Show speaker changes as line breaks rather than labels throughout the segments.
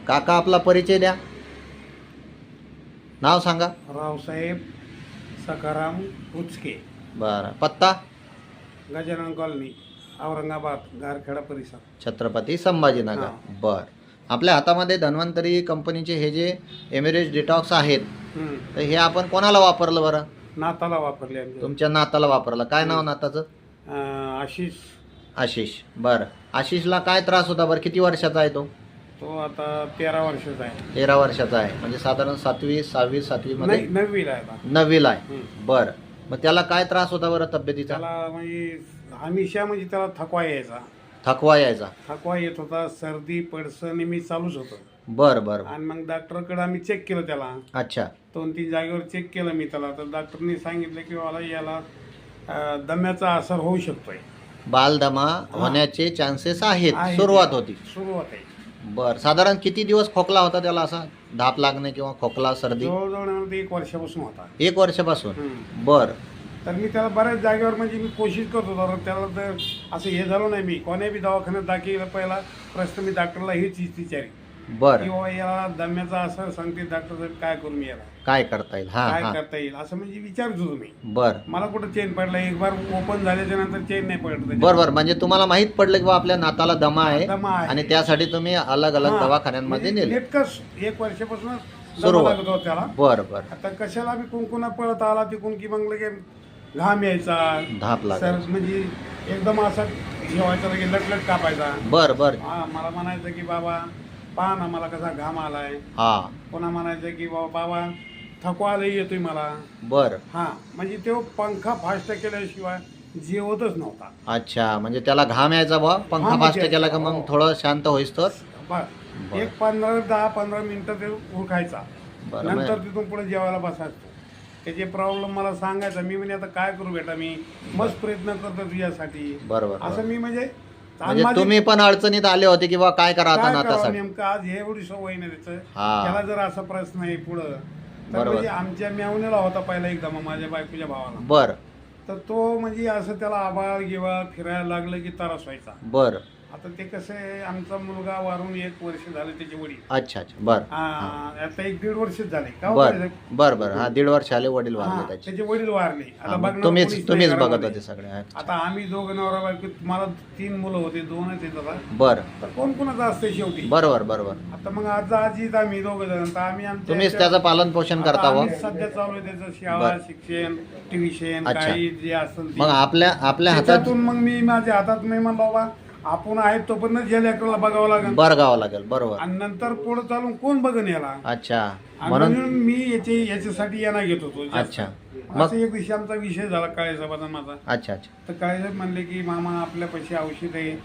काका आपला परिचय द्या, नाव सांगा.
रावसाहेब सखाराम उचके,
बरं. पत्ता
गजानन कॉलनी, औरंगाबाद, गारखेडा परिसर.
छत्रपती संभाजीनगर.
हां.
बर. आपल्या हातामध्ये धन्वंतरी कंपनीचे हे जे एमिरेज डिटॉक्स आहेत, तर हे आपण कोणाला वापरलं बरं?
नाताला वापरले आमचे.
तुमच्या नाताला वापरलं. काय नाव नाताचं?
आशिष.
आशिष. बरं. आशिषला काय त्रास होता बरं? किती वर्षाचा आहे तो?
तो आता 13 वर्षाचा आहे.
13 वर्षाचा आहे, म्हणजे साधारण 7वी 6वी 7वी मध्ये
नाही, 9वीला आहे आता.
9वीला आहे. बरं. मग त्याला काय त्रास होता बरं तब्येतीचा?
त्याला म्हणजे हमेशा म्हणजे त्याला थकवा यायचा.
थकवा यायचा.
थकवा येत होता, सर्दी पडसं नेहमी चालूच होतं.
बरं बरं.
आणि मग डॉक्टरकडे आम्ही चेक केलं त्याला.
अच्छा.
2-3 जागेवर चेक केलं मी त्याला. तर डॉक्टरनी सांगितलं की मला याला दम्याचा असर होऊ शकतोय.
बालदमा होण्याचे चान्सेस आहेत.
आहे.
सुरुवात होती.
सुरुवात आहे.
बर. साधारण किती दिवस खोकला होता त्याला, असा धाप लागणे किंवा खोकला सर्दी?
जवळजवळ 1 वर्षापासून होता.
1 वर्षापासून. बर.
तर मी त्याला बऱ्याच जागेवर म्हणजे मी कोशिश करत होतो. त्याला तर असं हे झालं नाही. मी कोण्या बी दवाखान्यात दाखल पहिला प्रश्न मी डॉक्टरला हीच विचारी
बर.
किंवा याला दम्याचा असर सांगते डॉक्टर साहेब, काय करू मी याला,
काय करता येईल? हा
काय
हा.
करता येईल असं म्हणजे विचारत होतो मी.
बर
मला कुठं चेन पडला, एक बार ओपन झाल्याच्या नंतर चेन नाही पडत.
बर बर. म्हणजे तुम्हाला माहित पडलं की बा आपल्या नाताला दमा आहे,
दमा आहे.
आणि त्यासाठी तुम्ही अलग अलग
हा.
दवाखान्यांमध्ये
म्हणजे
नेले.
नेटकंच 1 वर्षापासूनच
सुरुवात.
दमा लागत होता त्याला.
बर बर.
आता कशाला मी कुंकुना पळत आला तिकून की मग लगे घाम यायचा,
धाप लागायची.
म्हणजे एकदम असा हे व्हायचा, लगे लटलट कापायचा.
बर बर.
मला म्हणायचं की बाबा पहा ना मला कसा घाम आलाय.
हा.
पुन्हा म्हणायचं की बाबा थकवा लई येतोय मला.
बर.
म्हणजे तो पंखा फास्ट केल्याशिवाय जेवतच नव्हता.
अच्छा, म्हणजे त्याला घाम यायचा बा, पंखा
घाम
फास्ट
यायचा.
केला का मग थोडं शांत होईस तर.
बस एक 10-15 मिनिटं ते उरखायचा.
बरं.
नंतर तिथून पुढे जेवायला बसायचो. त्याचे प्रॉब्लेम मला सांगायचा. मी म्हणजे आता काय करू बेटा, मी मस्त प्रयत्न करतो तुझ्यासाठी.
बरोबर.
असं मी म्हणजे
तुम्ही पण अडचणीत आले होते की बा काय करा आता
काय करावं
नातासाठी.
नेमकं आज हे एवढी सवय नाही त्याचं.
हा.
त्याला जर असा प्रश्न आहे पुढं तर
बरोबर.
म्हणजे आमच्या मेवणीला होता पहिला एकदा माझ्या बायकोच्या भावाला.
बर
तर तो म्हणजे असं त्याला आबाळ गिवाळ फिरायला लागलं की त्रास व्हायचा.
बर.
आता ते कसं आहे, आमचा मुलगा वारून 1 वर्ष झाले, त्याचे वडील.
अच्छा अच्छा. बर
आता 1-1.5 वर्ष झाले का हो
बर
साहेब?
बर बर. हा, 1.5 वर्ष आले वडील वारले
हा,
त्याचे.
त्याचे वडील वारले. आता
हा, मग
बघणार कोणीच नाही
तुम्हीच बघत
घरामध्ये.
होते सगळे. अच्छा.
आता आम्ही दोघं नवरा बायको, मला 3 मुलं होते, 2च आहेत आता.
बर.
तर कोण कोणाचं असते शेवटी.
बरोबर बरोबर.
आता मग आज आजीत आम्ही दोघं जण, तर आम्ही आमच्या
तुम्हीच त्याचं पालन पोषण
आता
करता व.
आम्ही सध्या चालू आहे त्याचं शाळा,
बर.
शिक्षण, ट्युशन,
अच्छा.
काही जे असेल ते.
मग आपल्या हातात
त्याच्यातून मग मी माझ्या हातात मी म्हणलो बाबा आपण आहेत तोपर्यंत जे लेकराला बघावं लागेल.
बरगावं लागेल. बरोबर.
आणि नंतर पुढे चालून कोण बघन याला.
अच्छा.
आणि
म्हणून
म्हणून मी याच्यासाठी येणं घेत होतो जास्त.
अच्छा. मग
असं एक दिवशी आमचा विषय झाला काळेसाहेबाचा माझा.
अच्छा अच्छा.
तर काळेसाहेब म्हणले की मामा आपल्या पैसे औषध आहे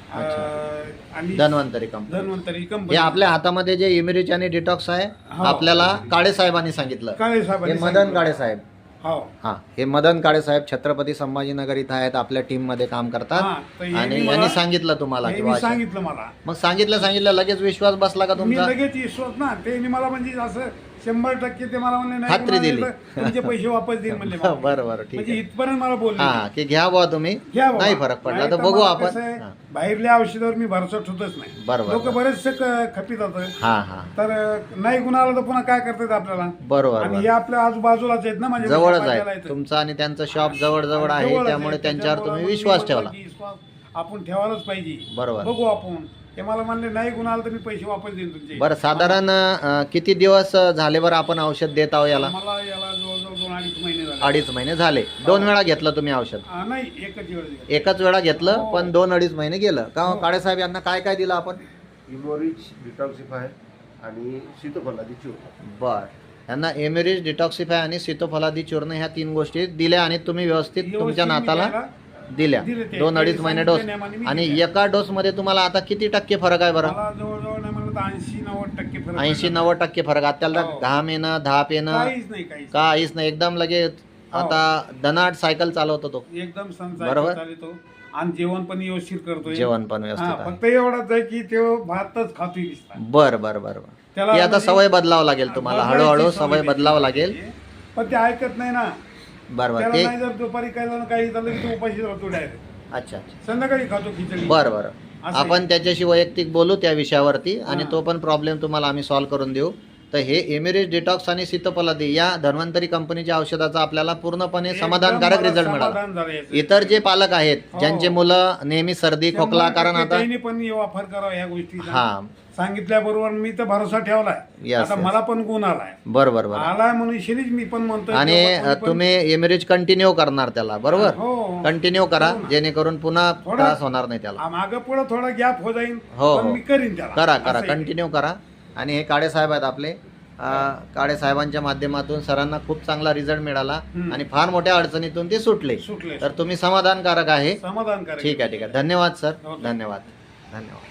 आणि
धन्वंतरी कंपनी.
धन्वंतरी
हे
कंपनी.
आपल्या हातामध्ये जे इमिरिच आणि डिटॉक्स आहे,
हो.
आपल्याला काळे साहेबांनी सांगितलं. हे
काळेसाहेबांनी
मदन
सांगितलं.
काळे साहेब.
हो.
हा, हे मदन काळे साहेब छत्रपती संभाजीनगर इथं आहेत, आपल्या टीम मध्ये काम करतात.
हा, तर हे
आणि
मी
यांनी
मला-
सांगितलं तुम्हाला
हे
की
मी
बा
सांगितलं मला.
मग सांगितलं लगेच विश्वास बसला का
मी
तुमचा?
लगेच विश्वास ना, ते मला म्हणजे असं 100% ते मला म्हणले नाही
खात्री
कोणाला
दिली.
तर तुमचे पैसे वापस देईन म्हणले मला.
बरं बरं, ठीक
म्हणजे
आहे.
इथपर्यंत मला बोलले.
हा, की घ्या बुवा तुम्ही,
घ्या बाबा.
नाही फरक पडला
नाही
तर
तर
बघू
मला
आपण.
कसं आहे,
हा.
बाहेरल्या औषधावर मी भरोसा ठेवतच नाही.
बरोबर.
लोक बरेचसे खपीत होतं.
हा हा.
तर नाही गुणाला तर पुन्हा काय करतात आपल्याला.
बरोबर
आणि हे
बरोबर.
आपल्या आजूबाजूलाच आहेत ना, माझ्या
जवळच
बाजूला
आहे
आहेत.
तुमचं आणि त्यांचं शॉप जवळ जवळ
आणि
आहे,
जवळच
त्यामुळे
आहे.
त्यांच्यावर तुम्ही
त्याच्यामुळे
विश्वास
मी
ठेवला.
म्हणतो की विश्वास आपण ठेवायलाच पाहिजे.
बरोबर.
बघू आपण. ते मला म्हणले नाही गुणाला तर मी पैसे वापस देईन तुमचे.
बरं, साधारण किती दिवस झाले बरं आपण औषध देत आहो याला?
मला याला जवळजवळ 2-2.5 महिने झाले.
2.5 महिने झाले. 2 वेळा घेतलं तुम्ही औषध?
नाही, एकच वेळ दिला.
एकाच वेळा घेतलं,
हो.
पण 2-2.5 महिने गेलं का?
हो.
काळे साहेब यांना काय काय दिलं आपण?
इमोरिच डिटॉक्सिफाय आणि सीतोफलादी चूर्ण.
बर. यांना एमिरिज, डिटॉक्सिफाय आणि सीतोफलादी चूर्ण ह्या 3 गोष्टी दिल्या आणि तुम्ही व्यवस्थित तुमच्या
व्यवस्थित मी
नाताला
त्याला
दिल्या.
दिले ते.
2-2.5
ते
महिने डोस.
सांगितल्याप्रमाणे मी
आणि
दिल्या.
एका डोस मध्ये तुम्हाला आता किती टक्के फरक आहे बरं?
मला जवळजवळ नाही म्हणलं तर 80-90% फरक
80-90% फरक आहे. त्याला
हो.
घाम येणं, धाप येणं
काहीच नाही.
काहीच नाही. एकदम लगेच
हो.
आता दनाट सायकल चालवतो तो.
एकदम
बरोबर.
चालतो. आणि जेवण पण व्यवस्थित करतोय.
जेवण पण व्यवस्थित
हा,
आहे.
फक्त एवढंच आहे की तो भातच खातोय दिसता.
बर बर बर बर.
त्याला
ती आता
म्हणजे-
सवय बदलावं लागेल तुम्हाला,
बदलायची
हळूहळू
सवय
सवय
त्याची.
बदलावं लागेल.
पण ते ऐकत नाही ना.
बरोबर.
त्याला
ते
नाही जर दुपारी काही झालं काही झालं की तो उपाशी राहतो डायरेक्ट.
अच्छा अच्छा.
संध्याकाळी खातो खिचडी.
बरं बरं.
असं
आपण त्याच्याशी वैयक्तिक बोलू त्या विषयावरती आणि
हां.
तो पण प्रॉब्लेम तुम्हाला आम्ही सॉल्व्ह करून देऊ. तर हे एमिरेज डिटॉक्स आणि सीतोफलादी या धन्वंतरी कंपनीच्या औषधाचा आपल्याला पूर्णपणे
एकदम
समाधानकारक
मला
रिझल्ट मिळाला.
समाधान झालं याचं.
इतर जे पालक आहेत
हो.
ज्यांचे मुलं नेहमी सर्दी खोकला, कारण आता
त्यांनी पण वापर करावा ह्या गोष्टीचा.
हा
सांगितल्याबरोबर मी तर भरोसा ठेवलाय.
Yes,
आता
yes.
मला पण गुण आलाय
बरोबर बरोबर.
आलाय म्हणून शिरीज मी पण म्हणतोय
आणि
तेव्हा कोणी पण-
तुम्ही एमिरेज कंटिन्यू करणार त्याला, बरोबर?
हो
कंटिन्यू करा
हो ना.
जेणेकरून पुन्हा
थोडा-
त्रास होणार नाही त्याला.
मागं पुढं थोडा गॅप हो जाईल
हो,
पण
हो.
मी करीन त्याला.
करा करा
असं आहे.
कंटिन्यू करा. आणि हे काळे साहेब आहेत आपले, काळे साहेबांच्या माध्यमातून सरांना खूप चांगला रिझल्ट मिळाला
हम्म.
आणि फार मोठ्या अडचणीतून ते सुटले.
सुटले
तर तुम्ही समाधानकारक आहे.
समाधान करेल.
ठीक आहे ठीक आहे. धन्यवाद सर,
हो.
धन्यवाद धन्यवाद.